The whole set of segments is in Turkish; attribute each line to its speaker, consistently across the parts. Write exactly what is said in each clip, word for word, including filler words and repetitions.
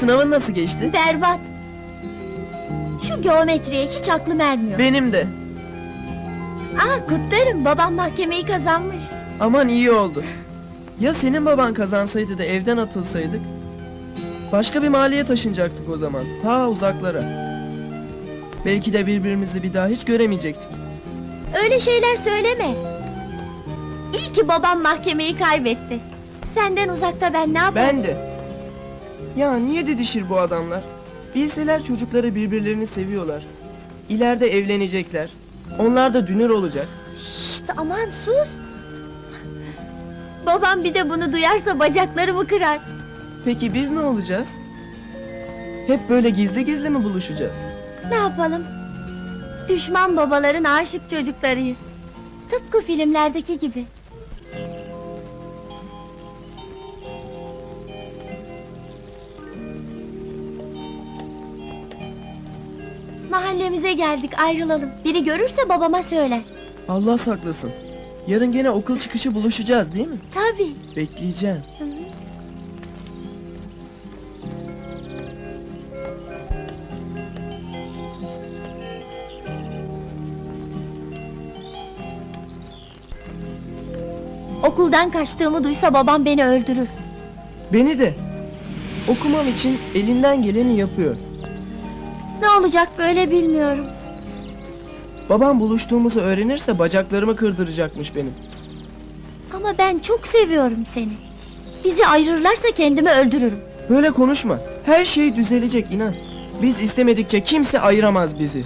Speaker 1: sınavın nasıl geçti?
Speaker 2: Berbat. Şu geometriye hiç aklım ermiyor.
Speaker 1: Benim de.
Speaker 2: Aa, kutlarım, babam mahkemeyi kazanmış.
Speaker 1: Aman iyi oldu. Ya senin baban kazansaydı da evden atılsaydık? Başka bir mahalleye taşınacaktık o zaman, ta uzaklara. Belki de birbirimizi bir daha hiç göremeyecektik.
Speaker 2: Öyle şeyler söyleme. İyi ki babam mahkemeyi kaybetti. Senden uzakta ben ne yaparım?
Speaker 1: Ben de. Ya niye didişir bu adamlar? Bilseler çocukları birbirlerini seviyorlar. İleride evlenecekler. Onlar da dünür olacak.
Speaker 2: Şşt, aman sus! Babam bir de bunu duyarsa bacaklarımı kırar.
Speaker 1: Peki biz ne olacağız? Hep böyle gizli gizli mi buluşacağız?
Speaker 2: Ne yapalım? Düşman babaların aşık çocuklarıyız. Tıpkı filmlerdeki gibi. Mahallemize geldik, ayrılalım. Biri görürse babama söyler.
Speaker 1: Allah saklasın. Yarın gene okul çıkışı buluşacağız değil mi?
Speaker 2: Tabii.
Speaker 1: Bekleyeceğim.
Speaker 2: Hı. Okuldan kaçtığımı duysa babam beni öldürür.
Speaker 1: Beni de. Okumam için elinden geleni yapıyor.
Speaker 2: Ne olacak böyle bilmiyorum.
Speaker 1: Babam buluştuğumuzu öğrenirse bacaklarımı kırdıracakmış benim.
Speaker 2: Ama ben çok seviyorum seni. Bizi ayırırlarsa kendimi öldürürüm.
Speaker 1: Böyle konuşma. Her şey düzelecek inan. Biz istemedikçe kimse ayıramaz bizi.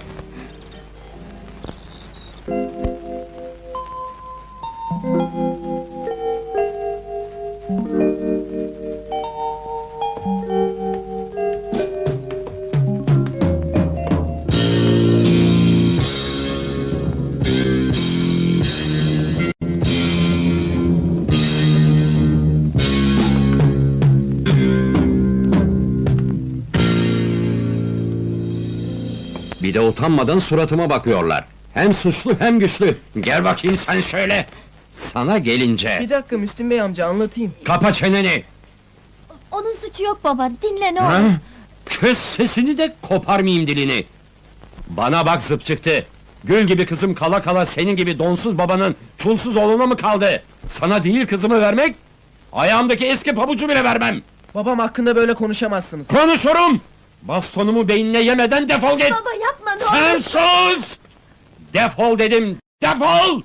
Speaker 3: Bir de utanmadan suratıma bakıyorlar. Hem suçlu hem güçlü. Gel bakayım sen şöyle. Sana gelince...
Speaker 1: Bir dakika Müslüm Bey amca anlatayım.
Speaker 3: Kapa çeneni!
Speaker 2: Onun suçu yok baba, dinle ne
Speaker 3: Ha?
Speaker 2: olur.
Speaker 3: Kes sesini de koparmayayım dilini! Bana bak zıp çıktı! Gül gibi kızım kala kala senin gibi donsuz babanın çulsuz oğluna mı kaldı? Sana değil kızımı vermek, ayağımdaki eski pabucu bile vermem!
Speaker 1: Babam hakkında böyle konuşamazsınız.
Speaker 3: Konuşurum! Bastonumu beynine yemeden defol git!
Speaker 2: Baba yapma ne
Speaker 3: Sen
Speaker 2: olur.
Speaker 3: sus! Defol dedim, defol!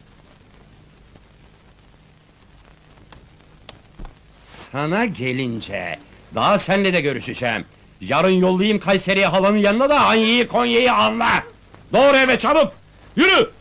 Speaker 3: Sana gelince, daha seninle de görüşeceğim. Yarın yollayayım Kayseri'ye halanın yanına da Anya'yı Konya'yı anla! Doğru eve çabuk! Yürü!